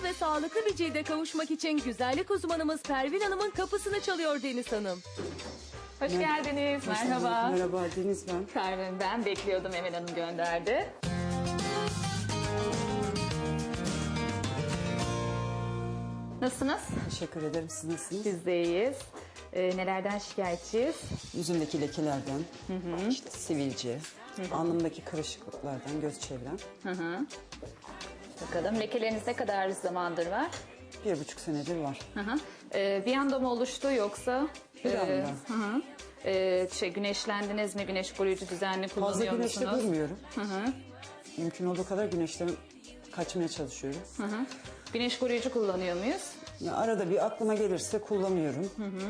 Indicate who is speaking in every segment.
Speaker 1: ve sağlıklı bir cilde kavuşmak için güzellik uzmanımız Pervin Hanım'ın kapısını çalıyor Deniz Hanım.
Speaker 2: Hoş geldiniz. Merhaba.
Speaker 3: Merhaba Deniz ben.
Speaker 2: Pervin ben. Bekliyordum, Emel Hanım gönderdi. Nasılsınız?
Speaker 3: Teşekkür ederim. Siz nasılsınız?
Speaker 2: Biz de iyiyiz. Nelerden şikayetçiyiz?
Speaker 3: Yüzümdeki lekelerden, işte sivilce, alnımdaki kırışıklıklardan, göz çevrem.
Speaker 2: Bakalım lekeleriniz ne kadar zamandır var?
Speaker 3: 1,5 senedir var.
Speaker 2: Bir anda mı oluştu yoksa?
Speaker 3: Bir anda.
Speaker 2: Güneşlendiniz mi? Güneş koruyucu düzenli
Speaker 3: Fazla
Speaker 2: kullanıyor
Speaker 3: güneşte
Speaker 2: musunuz?
Speaker 3: durmuyorum. Mümkün olduğu kadar güneşten kaçmaya çalışıyorum.
Speaker 2: Güneş koruyucu kullanıyor muyuz?
Speaker 3: Ya arada bir aklıma gelirse kullanıyorum.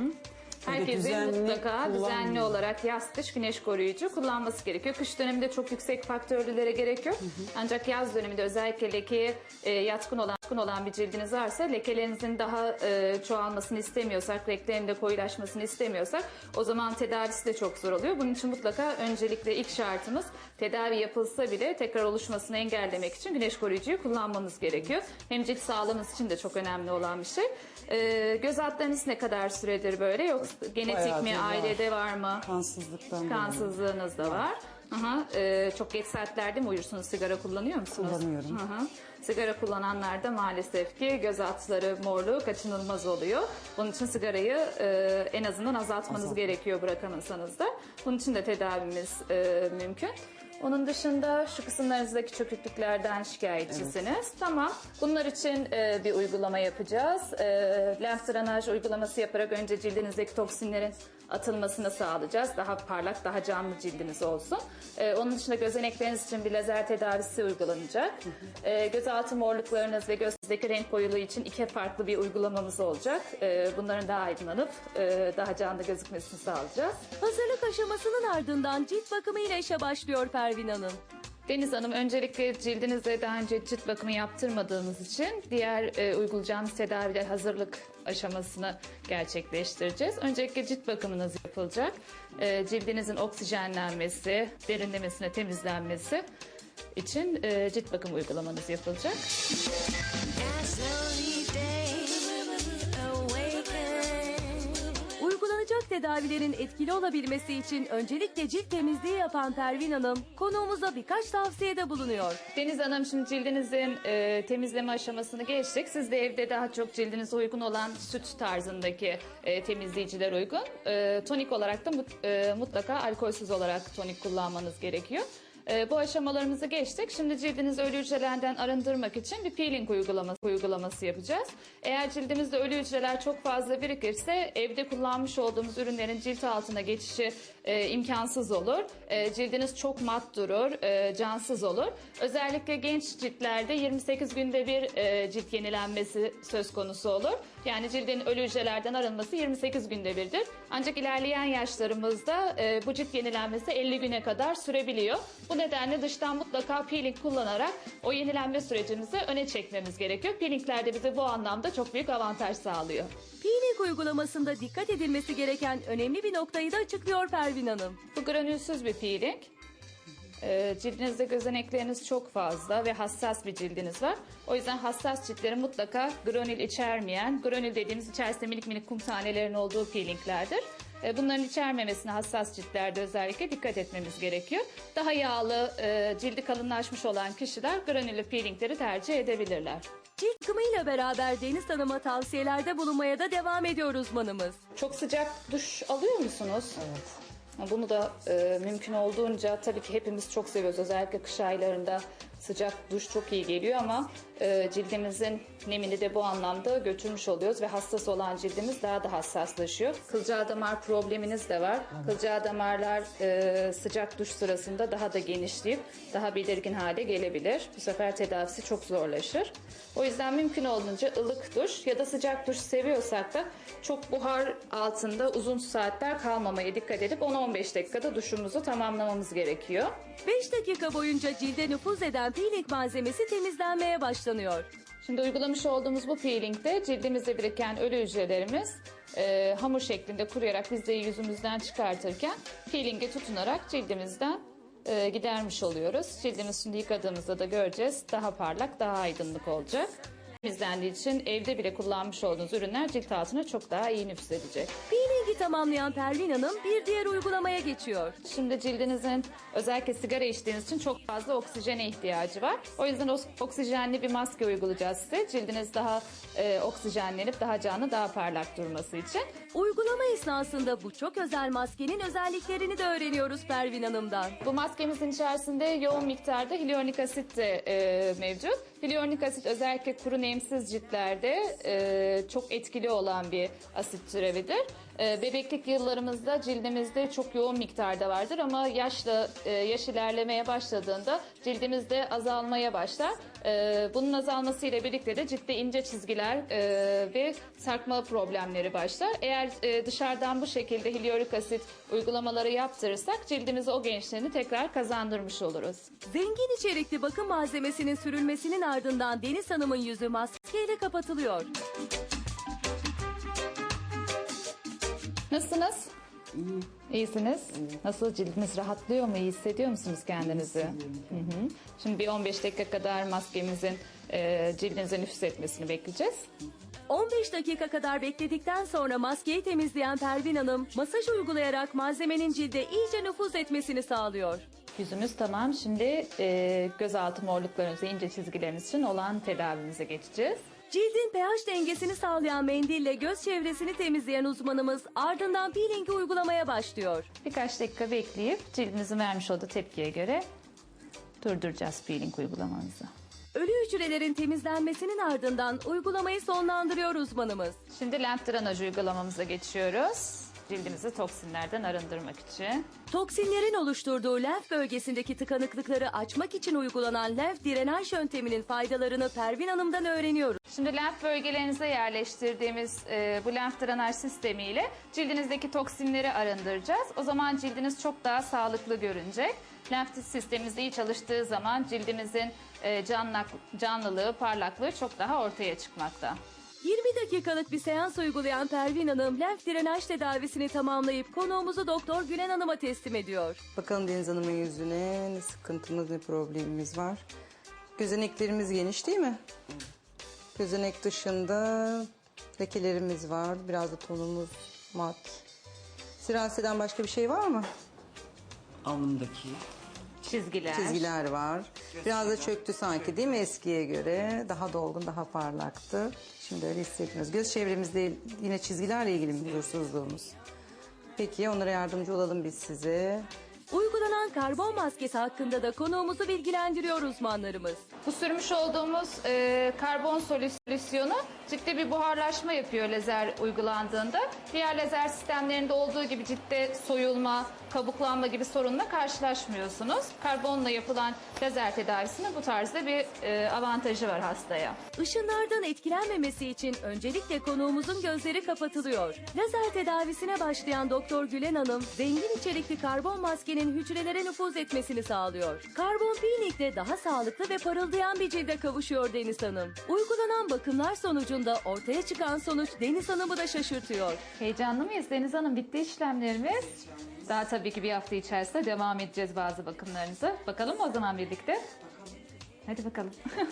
Speaker 2: Herkesin mutlaka düzenli
Speaker 3: kullanmıyorum.
Speaker 2: olarak yaz kış güneş koruyucu kullanması gerekiyor. Kış döneminde çok yüksek faktörlülere gerek yok. Ancak yaz döneminde özellikle lekeye yatkın olan bir cildiniz varsa, lekelerinizin daha çoğalmasını istemiyorsak, renklerin de koyulaşmasını istemiyorsak o zaman tedavisi de çok zor oluyor. Bunun için mutlaka öncelikle ilk şartımız tedavi yapılsa bile tekrar oluşmasını engellemek için güneş koruyucuyu kullanmanız gerekiyor. Hem cilt sağlığınız için de çok önemli olan bir şey. Göz altlarınız ne kadar süredir böyle, yoksa genetik
Speaker 3: Bayağıdır
Speaker 2: mi,
Speaker 3: var.
Speaker 2: ailede var mı?
Speaker 3: Kansızlıktan dolayı.
Speaker 2: Kansızlığınız da var. Çok geç saatlerde mi uyursunuz? Sigara kullanıyor musunuz?
Speaker 3: Kullanıyorum.
Speaker 2: Sigara kullananlarda maalesef ki göz altları morluğu kaçınılmaz oluyor. Bunun için sigarayı en azından azaltmanız gerekiyor, bırakamazsanız da. Bunun için de tedavimiz mümkün. Onun dışında şu kısımlarınızdaki çöküklüklerden şikayetçisiniz. Tamam. Bunlar için bir uygulama yapacağız. Lenf drenaj uygulaması yaparak önce cildinizdeki toksinlerin atılmasını sağlayacağız. Daha parlak, daha canlı cildiniz olsun. Onun dışında gözenekleriniz için bir lazer tedavisi uygulanacak. Gözaltı morluklarınız ve gözdeki renk koyuluğu için 2 farklı bir uygulamamız olacak. Bunların daha aydınlanıp daha canlı gözükmesini sağlayacağız.
Speaker 1: Hazırlık aşamasının ardından cilt bakımı ile işe başlıyor Pervin Hanım.
Speaker 2: Deniz Hanım, öncelikle cildinizde daha önce cilt bakımı yaptırmadığınız için diğer uygulayacağımız tedaviler hazırlık aşamasını gerçekleştireceğiz. Öncelikle cilt bakımınız yapılacak. Cildinizin oksijenlenmesi, derinlemesine temizlenmesi için cilt bakım uygulamanız yapılacak.
Speaker 1: Uygulanacak tedavilerin etkili olabilmesi için öncelikle cilt temizliği yapan Pervin Hanım konuğumuza birkaç tavsiyede bulunuyor.
Speaker 2: Deniz Hanım, şimdi cildinizin temizleme aşamasını geçtik. Siz de evde daha çok cildinize uygun olan süt tarzındaki temizleyiciler uygun. Tonik olarak da mutlaka alkolsüz olarak tonik kullanmanız gerekiyor. Bu aşamalarımızı geçtik. Şimdi cildinizi ölü hücrelerden arındırmak için bir peeling uygulaması yapacağız. Eğer cildimizde ölü hücreler çok fazla birikirse evde kullanmış olduğumuz ürünlerin cilt altına geçişi imkansız olur. Cildiniz çok mat durur, cansız olur. Özellikle genç ciltlerde 28 günde bir cilt yenilenmesi söz konusu olur. Yani cildin ölü hücrelerden arınması 28 günde birdir. Ancak ilerleyen yaşlarımızda bu cilt yenilenmesi 50 güne kadar sürebiliyor. Bu nedenle dıştan mutlaka peeling kullanarak o yenilenme sürecimizi öne çekmemiz gerekiyor. Peelingler de bize bu anlamda çok büyük avantaj sağlıyor.
Speaker 1: Peeling uygulamasında dikkat edilmesi gereken önemli bir noktayı da açıklıyor Pervin Hanım.
Speaker 2: Bu granülsüz bir peeling. Cildinizde gözenekleriniz çok fazla ve hassas bir cildiniz var. O yüzden hassas ciltlerin mutlaka granül içermeyen, granül dediğimiz içerisinde minik minik kum tanelerin olduğu peelinglerdir. Bunların içermemesine hassas ciltlerde özellikle dikkat etmemiz gerekiyor. Daha yağlı, cildi kalınlaşmış olan kişiler granüllü peelingleri tercih edebilirler.
Speaker 1: Cilt bakımıyla beraber Deniz Hanım'a tavsiyelerde bulunmaya da devam ediyor uzmanımız.
Speaker 2: Çok sıcak duş alıyor musunuz?
Speaker 3: Evet.
Speaker 2: Bunu da mümkün olduğunca, tabii ki hepimiz çok seviyoruz. Özellikle kış aylarında sıcak duş çok iyi geliyor ama cildimizin nemini de bu anlamda götürmüş oluyoruz ve hassas olan cildimiz daha da hassaslaşıyor. Kılcal damar probleminiz de var. Kılcal damarlar sıcak duş sırasında daha da genişleyip daha belirgin hale gelebilir. Bu sefer tedavisi çok zorlaşır. O yüzden mümkün olduğunca ılık duş ya da sıcak duş seviyorsak da çok buhar altında uzun saatler kalmamaya dikkat edip 10-15 dakikada duşumuzu tamamlamamız gerekiyor.
Speaker 1: 5 dakika boyunca cilde nüfuz eden peeling malzemesi temizlenmeye başlanıyor.
Speaker 2: Şimdi uygulamış olduğumuz bu peelingde cildimizde biriken ölü hücrelerimiz hamur şeklinde kuruyarak biz de yüzümüzden çıkartırken peelinge tutunarak cildimizden gidermiş oluyoruz. Cildimiz şimdi yıkadığımızda da göreceğiz. Daha parlak, daha aydınlık olacak. temizlendiği için evde bile kullanmış olduğunuz ürünler cilt altına çok daha iyi nüfuz edecek.
Speaker 1: Peeling'i tamamlayan Pervin Hanım bir diğer uygulamaya geçiyor.
Speaker 2: Şimdi cildinizin özellikle sigara içtiğiniz için çok fazla oksijene ihtiyacı var. O yüzden oksijenli bir maske uygulayacağız size. Cildiniz daha oksijenlenip daha canlı, daha parlak durması için.
Speaker 1: Uygulama esnasında bu çok özel maskenin özelliklerini de öğreniyoruz Pervin Hanım'dan.
Speaker 2: Bu maskemizin içerisinde yoğun miktarda hyaluronik asit de mevcut. Hyaluronik asit özellikle kuru nemsiz ciltlerde çok etkili olan bir asit türevidir. Bebeklik yıllarımızda cildimizde çok yoğun miktarda vardır ama yaş ilerlemeye başladığında cildimizde azalmaya başlar. Bunun azalmasıyla birlikte de ciltte ince çizgiler ve sarkma problemleri başlar. Eğer dışarıdan bu şekilde hyaluronik asit uygulamaları yaptırırsak cildimize o gençliğini tekrar kazandırmış oluruz.
Speaker 1: Zengin içerikli bakım malzemesinin sürülmesinin ardından Deniz Hanım'ın yüzü maskeyle kapatılıyor.
Speaker 2: Nasılsınız? İyisiniz. Nasıl, cildiniz rahatlıyor mu? İyi hissediyor musunuz kendinizi? Hı hı. Şimdi bir 15 dakika kadar maskemizin cildinize nüfuz etmesini bekleyeceğiz.
Speaker 1: 15 dakika kadar bekledikten sonra maskeyi temizleyen Pervin Hanım masaj uygulayarak malzemenin cilde iyice nüfuz etmesini sağlıyor.
Speaker 2: Yüzümüz tamam. Şimdi gözaltı morluklarınız ve ince çizgileriniz için olan tedavimize geçeceğiz.
Speaker 1: Cildin pH dengesini sağlayan mendille göz çevresini temizleyen uzmanımız ardından peeling'i uygulamaya başlıyor.
Speaker 2: Birkaç dakika bekleyip cildinizin vermiş olduğu tepkiye göre durduracağız peeling uygulamanızı.
Speaker 1: Ölü hücrelerin temizlenmesinin ardından uygulamayı sonlandırıyor uzmanımız.
Speaker 2: Şimdi lenf drenaj uygulamamıza geçiyoruz. Cildimizi toksinlerden arındırmak için.
Speaker 1: Toksinlerin oluşturduğu lenf bölgesindeki tıkanıklıkları açmak için uygulanan lenf drenaj yönteminin faydalarını Pervin Hanım'dan öğreniyoruz.
Speaker 2: Şimdi lenf bölgelerinize yerleştirdiğimiz bu lenf drenaj sistemiyle cildinizdeki toksinleri arındıracağız. O zaman cildiniz çok daha sağlıklı görünecek. Lenf sistemimiz iyi çalıştığı zaman cildimizin canlılığı, parlaklığı çok daha ortaya çıkmakta.
Speaker 1: 20 dakikalık bir seans uygulayan Pervin Hanım lenf drenaj tedavisini tamamlayıp konuğumuzu Doktor Gülen Hanım'a teslim ediyor.
Speaker 3: Bakalım Deniz Hanım'ın yüzüne ne sıkıntımız, ne problemimiz var. Gözeneklerimiz geniş değil mi? Gözenek dışında lekelerimiz var. Biraz da tonumuz mat. Siraseden başka bir şey var mı?
Speaker 4: Alnımdaki
Speaker 3: Çizgiler var. Biraz da çöktü sanki değil mi eskiye göre? Daha dolgun, daha parlaktı. Şimdi öyle hissetmiyoruz. Göz çevremizde yine çizgilerle ilgili mi huzursuzluğumuz? Peki onlara yardımcı olalım biz size.
Speaker 1: Uygulanan karbon maskesi hakkında da konuğumuzu bilgilendiriyor uzmanlarımız.
Speaker 2: Bu sürmüş olduğumuz karbon solüsyonu ciltte bir buharlaşma yapıyor lazer uygulandığında. Diğer lazer sistemlerinde olduğu gibi ciltte soyulma, kabuklanma gibi sorunla karşılaşmıyorsunuz. Karbonla yapılan lazer tedavisinin bu tarzda bir avantajı var hastaya.
Speaker 1: Işınlardan etkilenmemesi için öncelikle konuğumuzun gözleri kapatılıyor. Lazer tedavisine başlayan Doktor Gülen Hanım, zengin içerikli karbon maskenin hücrelere nüfuz etmesini sağlıyor. Karbon peeling'de daha sağlıklı ve parıldayan bir cilde kavuşuyor Deniz Hanım. Uygulanan bakımlar sonucunda ortaya çıkan sonuç Deniz Hanım'ı da şaşırtıyor.
Speaker 2: Heyecanlı mıyız Deniz Hanım? Bitti işlemlerimiz. Daha tabii ki bir hafta içerisinde devam edeceğiz bazı bakımlarınızı. Bakalım o zaman birlikte. Hadi bakalım.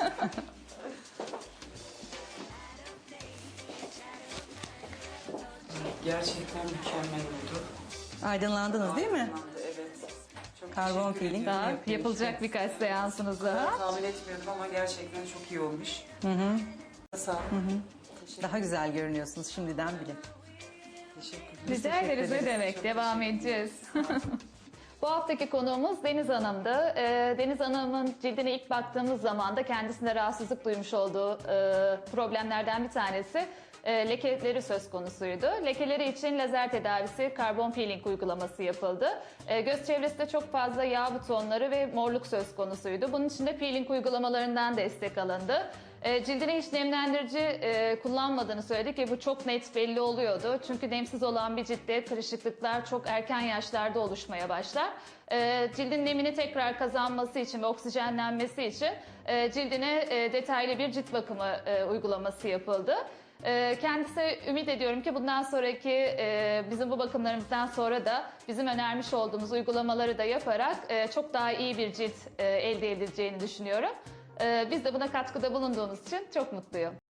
Speaker 4: gerçekten mükemmel oldu.
Speaker 3: Aydınlandınız değil mi?
Speaker 4: Evet. Çok
Speaker 3: Karbon
Speaker 4: teşekkür
Speaker 3: peeling.
Speaker 4: ediyorum.
Speaker 2: Daha
Speaker 4: Yapıyor
Speaker 2: yapılacak
Speaker 4: işte.
Speaker 2: birkaç seansınız daha.
Speaker 4: Tahmin etmiyordum ama gerçekten çok iyi olmuş. Sağ olun.
Speaker 3: Daha güzel görünüyorsunuz şimdiden bile.
Speaker 4: Teşekkür ederim.
Speaker 2: Rica ederiz, ne demek.
Speaker 4: Çok
Speaker 2: Devam
Speaker 4: teşekkür
Speaker 2: edeceğiz. Bu haftaki konuğumuz Deniz Hanım'dı. Deniz Hanım'ın cildine ilk baktığımız zaman da kendisinde rahatsızlık duymuş olduğu problemlerden bir tanesi lekeleri söz konusuydu. Lekeleri için lazer tedavisi, karbon peeling uygulaması yapıldı. Göz çevresinde çok fazla yağ butonları ve morluk söz konusuydu. Bunun için de peeling uygulamalarından destek alındı. Cildine hiç nemlendirici kullanmadığını söyledi ki bu çok net belli oluyordu. Çünkü nemsiz olan bir ciltte kırışıklıklar çok erken yaşlarda oluşmaya başlar. Cildin nemini tekrar kazanması için ve oksijenlenmesi için cildine detaylı bir cilt bakımı uygulaması yapıldı. Kendisi ümit ediyorum ki bundan sonraki bizim bu bakımlarımızdan sonra da bizim önermiş olduğumuz uygulamaları da yaparak çok daha iyi bir cilt elde edileceğini düşünüyorum. Biz de buna katkıda bulunduğunuz için çok mutluyum.